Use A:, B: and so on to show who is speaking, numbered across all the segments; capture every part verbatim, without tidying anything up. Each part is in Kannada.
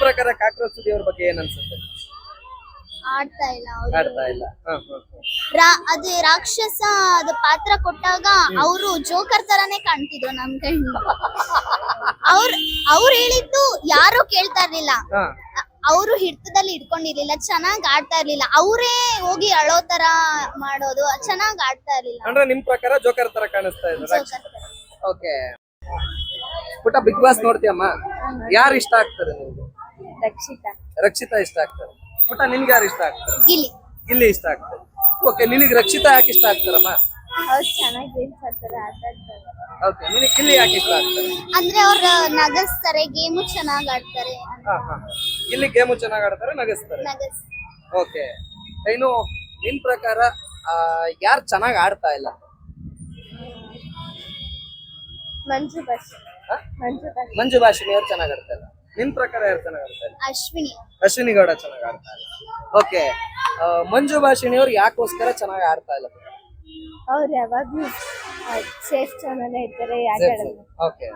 A: ಪ್ರಕಾರ ಕಾಕ್ರೋಚ್ ಸುದಿ ಅವ್ರ ಬಗ್ಗೆ ಏನ್ ಅನ್ಸುತ್ತೆ?
B: ಆಡ್ತಾ ಇಲ್ಲ ಅವ್ರು.
A: ಆಡ್ತಾ ಇಲ್ಲ. ಹ, ಹ, ಹ.
B: ರಾ- ಅದು ರಾಕ್ಷಸ ಅದು ಪಾತ್ರ ಕೊಟ್ಟಾಗ ಅವರು ಜೋಕರ್ ತರಾನೇ ಕಾಣ್ತಿದ್ರು ನಮ್ ಕಣ್ಣು. ಅವ್ರ ಅವ್ರು ಹೇಳಿದ್ದು ಯಾರು ಕೇಳ್ತಾ ಇರ್ಲಿಲ್ಲ.
A: ಹ,
B: ಅವರು ಹಿಡಿತದಲ್ಲಿ ಇಟ್ಕೊಂಡಿರ್ಲಿಲ್ಲ, ಚೆನ್ನಾಗ್ ಆಡ್ತಾ ಇರ್ಲಿಲ್ಲ. ಅವರೇ ಹೋಗಿ ಅಳೋ ತರ ಮಾಡೋದು, ಚೆನ್ನಾಗ್ ಆಡ್ತಾ ಇರ್ಲಿಲ್ಲ.
A: ಅಂದ್ರೆ ನಿಮ್ ಪ್ರಕಾರ ಜೋಕರ್ ತರ ಕಾಣಿಸ್ತಾ ಇದ್ರು.
B: ಜೋಕರ್ ತರ.
A: ಓಕೆ. ಪುಟ್ಟ ಬಿಗ್ ಬಾಸ್ ನೋಡ್ತೀಯಮ್ಮ? ಯಾರು ಇಷ್ಟ ಆಗ್ತಾರೆ ನಿಮ್ಗೆ?
B: ರಕ್ಷಿತಾ.
A: ರಕ್ಷಿತಾ ಇಷ್ಟ ಆಗ್ತಾರೆ. ಪುಟ್ಟ ನಿನ್ಗೆ ಯಾರು ಇಷ್ಟ ಆಗ್ತಾರೆ?
B: ಗಿಲ್ಲಿ.
A: ಗಿಲ್ಲಿ ಇಷ್ಟ ಆಗ್ತಾರೆ. ಓಕೆ, ನಿನಗೆ ರಕ್ಷಿತಾ ಯಾಕೆ ಇಷ್ಟ ಆಗ್ತಾರಮ್ಮ?
B: ಅವ್ರು ಚೆನ್ನಾಗಿ ಗೇಮ್ಸ್ ಆಡ್ತಾರೆ, ಆಟ ಆಡ್ತಾರೆ.
A: ಓಕೆ, ನಿನಗೆ ಗಿಲ್ಲಿ ಯಾಕೆ ಇಷ್ಟ ಆಗ್ತಾರೆ?
B: ಅಂದ್ರೆ ಅವ್ರ ನಗಸ್ತಾರೆ, ಗೇಮು ಚೆನ್ನಾಗ್ ಆಡ್ತಾರೆ.
A: ಹಾ ಹಾ ಗಿಲ್ಲಿ ಗೇಮು ಚೆನ್ನಾಗ್ ಆಡ್ತಾರೆ, ನಗಿಸ್ತಾರೆ.
B: ನಗಸ್
A: ಓಕೆ, ಇನ್ನು ನಿನ್ ಪ್ರಕಾರ ಯಾರು ಚೆನ್ನಾಗ್ ಆಡ್ತಾ ಇಲ್ಲ?
B: ಮಂಜು ಬಸ್.
A: ಹ?
B: ಮಂಜು ಬಸ್.
A: ಮಂಜು ಭಾಷಿಣಿ ಅವ್ರು ಚೆನ್ನಾಗ್ ಆಡ್ತಾ ಇಲ್ಲ. ನಿನ್ ಪ್ರಕಾರ ಯಾರು ಚೆನ್ನಾಗ್ ಆಡ್ತಾ ಇಲ್ಲ?
B: ಅಶ್ವಿನಿ.
A: ಅಶ್ವಿನಿ ಗೌಡ ಚೆನ್ನಾಗ್ ಆಡ್ತಾ ಇಲ್ಲ. ಓಕೆ, ಮಂಜು ಭಾಷಿಣಿ ಅವ್ರು ಯಾಕೋಸ್ಕರ ಚೆನ್ನಾಗ್ ಆಡ್ತಾ ಇಲ್ಲ?
B: ಅವ್ರು ಯಾವಾಗ್ಲೂ ಸೇಫ್ ಚಾನಲ್ ಇರ್ತಾರೆ, ಆಟ ಆಡಲ್ಲ.
A: ಓಕೆ.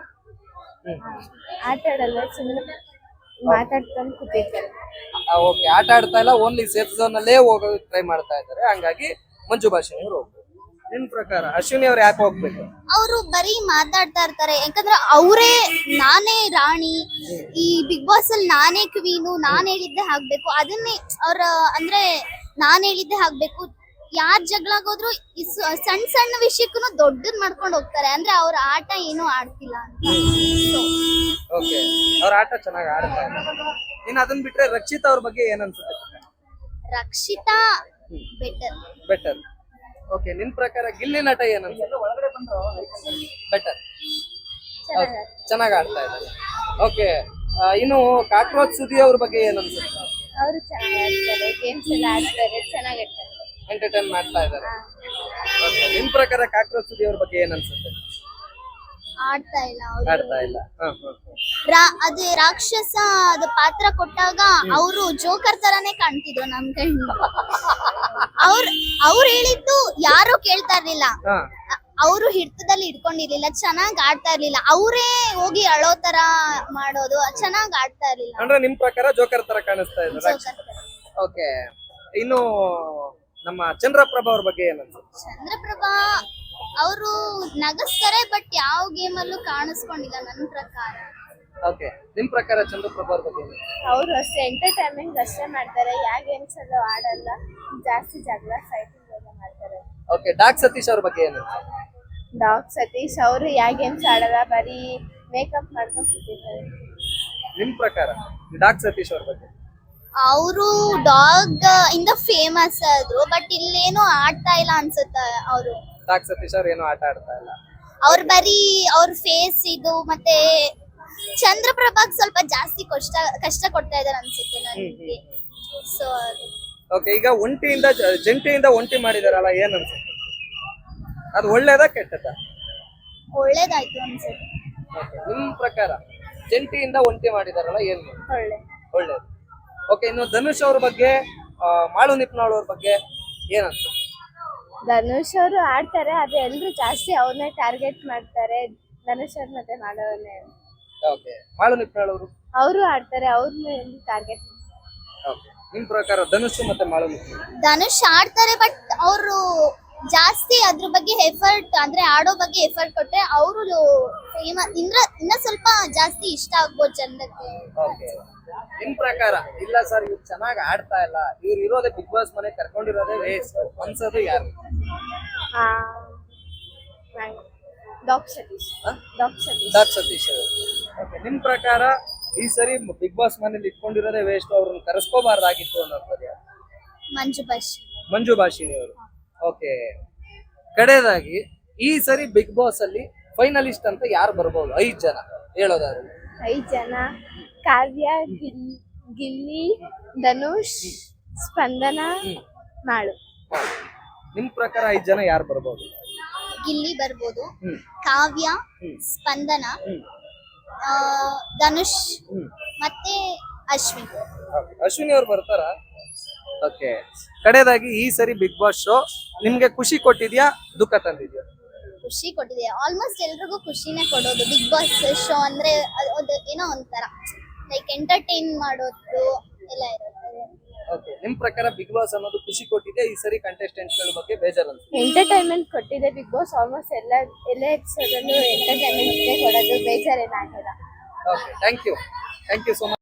B: ಆಟ ಆಡಲ್ಲ, ಸುಮ್ಮನೆ ಮಾತಾಡ್ಕೊಂಡು ಕೂತಿರ್ತಾರೆ.
A: ಓಕೆ, ಆಟ ಆಡ್ತಾ ಇಲ್ಲ, ಓನ್ಲಿ ಸೇಫ್ ಝೋನ್ ಅಲ್ಲೇ ಹೋಗೋದು ಟ್ರೈ ಮಾಡ್ತಾ ಇದ್ದಾರೆ. ಹಂಗಾಗಿ ಮಂಜು ಭಾಷಿಣಿ ಅವ್ರು ಹೋಗ್ಬೇಕು. ನಿನ್ ಪ್ರಕಾರ ಅಶ್ವಿನಿ ಅವ್ರು ಯಾಕೆ ಹೋಗ್ಬೇಕು?
B: ಅವರು ಬರೀ ಮಾತಾಡ್ತಾ ಇರ್ತಾರೆ. ಯಾಕಂದ್ರೆ ಅವರೇ ನಾನೇ ರಾಣಿ, ಈ ಬಿಗ್ ಬಾಸ್ ಅಲ್ಲಿ ನಾನೇ ಕ್ವೀನು, ನಾನ್ ಹೇಳಿದ್ದೆ ಆಗ್ಬೇಕು, ಅದನ್ನೇ ಅವ್ರ ಅಂದ್ರೆ ನಾನ್ ಹೇಳಿದ್ದೆ ಆಗ್ಬೇಕು. ಯಾರ್ ಜಗಳಾಗೋದ್ರು ಈ ಸ- ಸಣ್ಣ ಸಣ್ಣ ವಿಷಯಕ್ಕೂ ದೊಡ್ಡದ್ ಮಾಡ್ಕೊಂಡು ಹೋಗ್ತಾರೆ. ಅಂದ್ರೆ ಅವ್ರ ಆಟ ಏನು ಆಡ್ತಿಲ್ಲ ಅಂತ. So,
A: ಓಕೆ, ಅವ್ರ ಆಟ ಚೆನ್ನಾಗಿ ಆಡ್ತಾ ಇಲ್ಲ. ಇನ್ನು ಅದನ್ನ ಬಿಟ್ರೆ ರಕ್ಷಿತಾ ಅವ್ರ ಬಗ್ಗೆ ಏನ್ ಅನ್ಸುತ್ತೆ?
B: ರಕ್ಷಿತಾ ಬೆಟರ್.
A: ಬೆಟರ್. ಓಕೆ, ನಿನ್ ಪ್ರಕಾರ ಗಿಲ್ಲಿ ನಟ ಏನ್ ಅನ್ಸುತ್ತೆ? ಬೆಟರ್, ಚೆನ್ನಾಗಿ ಆಡ್ತಾ ಇದ್ದಾರೆ. ಓಕೆ, ಇನ್ನು ಕಾಕ್ರೋಚ್ ಸುದಿ ಅವ್ರ ಬಗ್ಗೆ ಏನ್ ಅನ್ಸುತ್ತೆ?
B: ಅವರು ಚೆನ್ನಾಗಿ ಆಡ್ತಾರೆ, ಗೇಮ್ಸ್ ಎಲ್ಲ ಆಡ್ತಾರೆ, ಚೆನ್ನಾಗಿ ಆಡ್ತಾರೆ.
A: ಎಂಟರ್ಟೈನ್ ಮಾಡ್ತಾ ಇದ್ದಾರೆ. ಓಕೆ, ನಿನ್ ಪ್ರಕಾರ ಕಾಕ್ರೋಚ್ ಸುದಿ ಅವ್ರ ಬಗ್ಗೆ ಏನ್ ಅನ್ಸುತ್ತೆ?
B: ಆಡ್ತಾ ಇಲ್ಲ ಅವ್ರು.
A: ಆಡ್ತಾ ಇಲ್ಲ. ಹ, ಹ, ಹ.
B: ರಾ- ಅದು ರಾಕ್ಷಸ ಅದು ಪಾತ್ರ ಕೊಟ್ಟಾಗ ಅವರು ಜೋಕರ್ ತರಾನೇ ಕಾಣ್ತಿದ್ರು ನಮ್ ಕಣ್ಣು. ಅವ್ರ ಅವ್ರು ಹೇಳಿದ್ದು ಯಾರು ಕೇಳ್ತಾ ಇರ್ಲಿಲ್ಲ.
A: ಹ,
B: ಅವರು ಹಿಡಿತದಲ್ಲಿ ಇಟ್ಕೊಂಡಿರ್ಲಿಲ್ಲ, ಚೆನ್ನಾಗ್ ಆಡ್ತಾ ಇರ್ಲಿಲ್ಲ. ಅವರೇ ಹೋಗಿ ಅಳೋ ತರ ಮಾಡೋದು, ಚೆನ್ನಾಗ್ ಆಡ್ತಾ ಇರ್ಲಿಲ್ಲ.
A: ಅಂದ್ರೆ ನಿಮ್ ಪ್ರಕಾರ ಜೋಕರ್ ತರ ಕಾಣಿಸ್ತಾ ಇದ್ದಾರೆ.
B: ಜೋಕರ್ ತರ.
A: ಓಕೆ, ಇನ್ನು ನಮ್ಮ ಚಂದ್ರಪ್ರಭಾ ಅವ್ರ ಬಗ್ಗೆ ಏನ್ ಅನ್ಸುತ್ತೆ?
B: ಚಂದ್ರಪ್ರಭಾ ಅವರು ನಗಸ್ತಾರೆ, ಬಟ್ ಯಾವ ಗೇಮ್ ಅಲ್ಲೂ ಕಾಣಿಸ್ಕೊಂಡಿಲ್ಲ ನನ್ನ ಪ್ರಕಾರ.
A: ಓಕೆ, ನಿಮ್ ಪ್ರಕಾರ ಚಂದ್ರಪ್ರಭಾ ಅವ್ರ ಬಗ್ಗೆ ಏನ್ ಅನ್ಸುತ್ತೆ?
B: ಅವರು ಅಷ್ಟೇ ಎಂಟರ್ಟೈನ್ಮೆಂಟ್ ಅಷ್ಟೇ ಮಾಡ್ತಾರೆ, ಯಾವ ಗೇಮ್ಸ್ ಅಲ್ಲೂ ಆಡಲ್ಲ. ಜಾಸ್ತಿ ಜಗಳ ಫೈಟಿಂಗ್ ಎಲ್ಲ ಮಾಡ್ತಾರೆ.
A: ಓಕೆ, ಡಾಕ್ ಸತೀಶ್ ಅವ್ರ ಬಗ್ಗೆ ಏನು?
B: ಡಾಗ್ ಸತೀಶ್ ಅವರು ಯಾವ ಗೇಮ್ಸ್ ಆಡಲ್ಲ, ಬರೀ ಮೇಕಪ್ ಮಾಡ್ಕೊಂಡು ಕೂತಿರ್ತಾರೆ.
A: ನಿಮ್ ಪ್ರಕಾರ ಡಾಕ್ ಸತೀಶ್ ಅವ್ರ ಬಗ್ಗೆ?
B: ಅವರು ಡಾಗ್ ಇಂದ ಫೇಮಸ್ ಆದ್ರು, ಬಟ್ ಇಲ್ಲೇನು ಆಡ್ತಾ ಇಲ್ಲ ಅನ್ಸುತ್ತೆ. ಅವರು
A: ಡಾಕ್ ಸತೀಶ್ ಅವ್ರ ಏನು ಆಟ ಆಡ್ತಾ ಇಲ್ಲ.
B: ಅವ್ರ ಬರೀ ಅವ್ರ ಫೇಸ್ ಇದು ಮತ್ತೆ ಚಂದ್ರಪ್ರಭಾಗ್ ಸ್ವಲ್ಪ ಜಾಸ್ತಿ ಕಷ್ಟ ಕಷ್ಟ ಕೊಡ್ತಾ ಇದಾರೆ ಅನ್ಸುತ್ತೆ ನನಗೆ. ಸೊ
A: ಓಕೆ, ಈಗ ಒಂಟಿಯಿಂದ ಜ- ಜಂಟಿಯಿಂದ ಒಂಟಿ ಮಾಡಿದಾರಲ್ಲ, ಏನ್ ಅನ್ಸುತ್ತೆ? ಅದು ಒಳ್ಳೇದಾ ಕೆಟ್ಟದಾ?
B: ಒಳ್ಳೇದಾಯ್ತು ಅನ್ಸುತ್ತೆ.
A: ಓಕೆ, ನಿಮ್ ಪ್ರಕಾರ ಜಂಟಿಯಿಂದ ಒಂಟಿ ಮಾಡಿದಾರಲ್ಲ, ಏನ್
B: ಒಳ್ಳೆ
A: ಒಳ್ಳೇದು. ಓಕೆ, ಇನ್ನು ಧನುಷ್ ಅವ್ರ ಬಗ್ಗೆ, ಆ, ಮಾಳು ನಿಪ್ನಾಳ್ ಅವ್ರ ಬಗ್ಗೆ ಏನ್ ಅನ್ಸುತ್ತೆ?
B: ಧನುಷ್ ಅವರು ಆಡ್ತಾರೆ, ಆದ್ರೆ ಎಲ್ರು ಜಾಸ್ತಿ ಅವ್ರನ್ನೇ ಟಾರ್ಗೆಟ್ ಮಾಡ್ತಾರೆ. ಧನುಷ್ ಅವ್ರ ಮತ್ತೆ ಮಾಡೋನೇ.
A: ಓಕೆ, ಮಾಳು ನಿಪ್ನಾಳ್ ಅವರು?
B: ಅವರು ಆಡ್ತಾರೆ, ಅವ್ರನ್ನ ಟಾರ್ಗೆಟ್.
A: ಓಕೆ, ನಿಮ್ ಪ್ರಕಾರ ಧನುಷ್ ಮತ್ತೆ ಮಾಳು ನಿಪ್ನಾಳ್?
B: ಧನುಷ್ ಆಡ್ತಾರೆ, ಬಟ್ ಅವರು ಜಾಸ್ತಿ ಅದ್ರ ಬಗ್ಗೆ ಎಫರ್ಟ್ ಅಂದ್ರೆ ಆಡೋ ಬಗ್ಗೆ ಎಫರ್ಟ್ ಕೊಟ್ರೆ ಅವರು ಫೇಮಸ್ ಇನ್ನ ಇನ್ನ ಸ್ವಲ್ಪ ಜಾಸ್ತಿ ಇಷ್ಟ ಆಗ್ಬೋದು ಜನಕ್ಕೆ.
A: ಓಕೆ, ನಿಮ್ ಪ್ರಕಾರ ಇಲ್ಲ ಸರ್ ಇವ್ರು ಚೆನ್ನಾಗಿ ಆಡ್ತಾ ಇಲ್ಲ, ಇವ್ರು ಇರೋದೇ ಬಿಗ್ ಬಾಸ್ ಮನೆ ಕರ್ಕೊಂಡಿರೋದೇ ವೇಸ್ಟ್ ಅನ್ಸೋದು ಯಾರು?
B: Doc Satish. Doc Satish.
A: Doc Satish ಅವರು. ಓಕೆ, ನಿಮ್ ಪ್ರಕಾರ ಈ ಸರಿ ಬಿಗ್ ಬಾಸ್ ಮನೇಲಿ ಇಟ್ಕೊಂಡಿರೋದೇ ವೇಸ್ಟ್, ಅವ್ರನ್ನ ಕರೆಸ್ಕೋಬಾರ್ದಾಗಿತ್ತು ಅನ್ನೋದು ಯಾರು?
B: ಮಂಜು ಬಶ್.
A: ಮಂಜು ಭಾಷಿಣಿ ಅವರು. ಓಕೆ, ಕಡೆಯದಾಗಿ ಈ ಸರಿ ಬಿಗ್ ಬಾಸ್ ಅಲ್ಲಿ ಫೈನಲಿಸ್ಟ್ ಅಂತ ಯಾರು ಬರ್ಬೋದು? ಐದ್ ಜನ ಹೇಳೋದಾದ್ರೆ.
B: ಐದ್ ಜನ ಕಾವ್ಯ, ಗಿಲ್ ಗಿಲ್ಲಿ, ಧನುಷ್, ಸ್ಪಂದನ, ಮಾಳು.
A: ನಿಮ್ ಪ್ರಕಾರ ಐದ್ ಜನ ಯಾರು ಬರ್ಬೋದು?
B: ಗಿಲ್ಲಿ ಬರ್ಬೋದು,
A: ಹ್ಮ್
B: ಕಾವ್ಯ,
A: ಹ್ಮ್
B: ಸ್ಪಂದನ,
A: ಹ್ಮ್
B: ಆ, ಧನುಷ್
A: ಹ್ಮ್
B: ಮತ್ತೆ ಅಶ್ವಿನ್.
A: Okay, ಅಶ್ವಿನಿ ಅವ್ರು ಬರ್ತಾರ? ಓಕೆ, ಕಡೆಯದಾಗಿ ಈ ಸರಿ ಬಿಗ್ ಬಾಸ್ ಶೋ ನಿಮ್ಗೆ ಖುಷಿ ಕೊಟ್ಟಿದ್ಯಾ, ದುಃಖ ತಂದಿದ್ಯಾ?
B: ಖುಷಿ ಕೊಟ್ಟಿದೆ. ಆಲ್ಮೋಸ್ಟ್ ಎಲ್ರಿಗೂ ಖುಷಿನೇ ಕೊಡೋದು ಬಿಗ್ ಬಾಸ್ ಶೋ ಅಂದ್ರೆ. ಅದು ಏನೋ ಒಂಥರ ಲೈಕ್ ಎಂಟರ್ಟೈನ್ ಮಾಡೋದು ಎಲ್ಲ ಇರುತ್ತೆ.
A: ಓಕೆ, ನಿಮ್ ಪ್ರಕಾರ ಬಿಗ್ ಬಾಸ್ ಅನ್ನೋದು ಖುಷಿ ಕೊಟ್ಟಿದೆ, ಈ ಸರಿ ಕಂಟೆಸ್ಟೆಂಟ್ಸ್ ಗಳ ಬಗ್ಗೆ ಬೇಜಾರ್ ಅನ್ಸುತ್ತೆ?
C: ಎಂಟರ್ಟೈನ್ಮೆಂಟ್ ಕೊಟ್ಟಿದೆ ಬಿಗ್ ಬಾಸ್. ಆಲ್ಮೋಸ್ಟ್ ಎಲ್ಲ ಎಲ್ಲ ಎಪಿಸೋಡ್ ಅಲ್ಲೂ ಎಂಟರ್ಟೈನ್ಮೆಂಟ್ ಕೊಡೋದು ಬೇಜಾರೇನಾಗಿಲ್ಲ.
A: Okay, thank you thank you so much.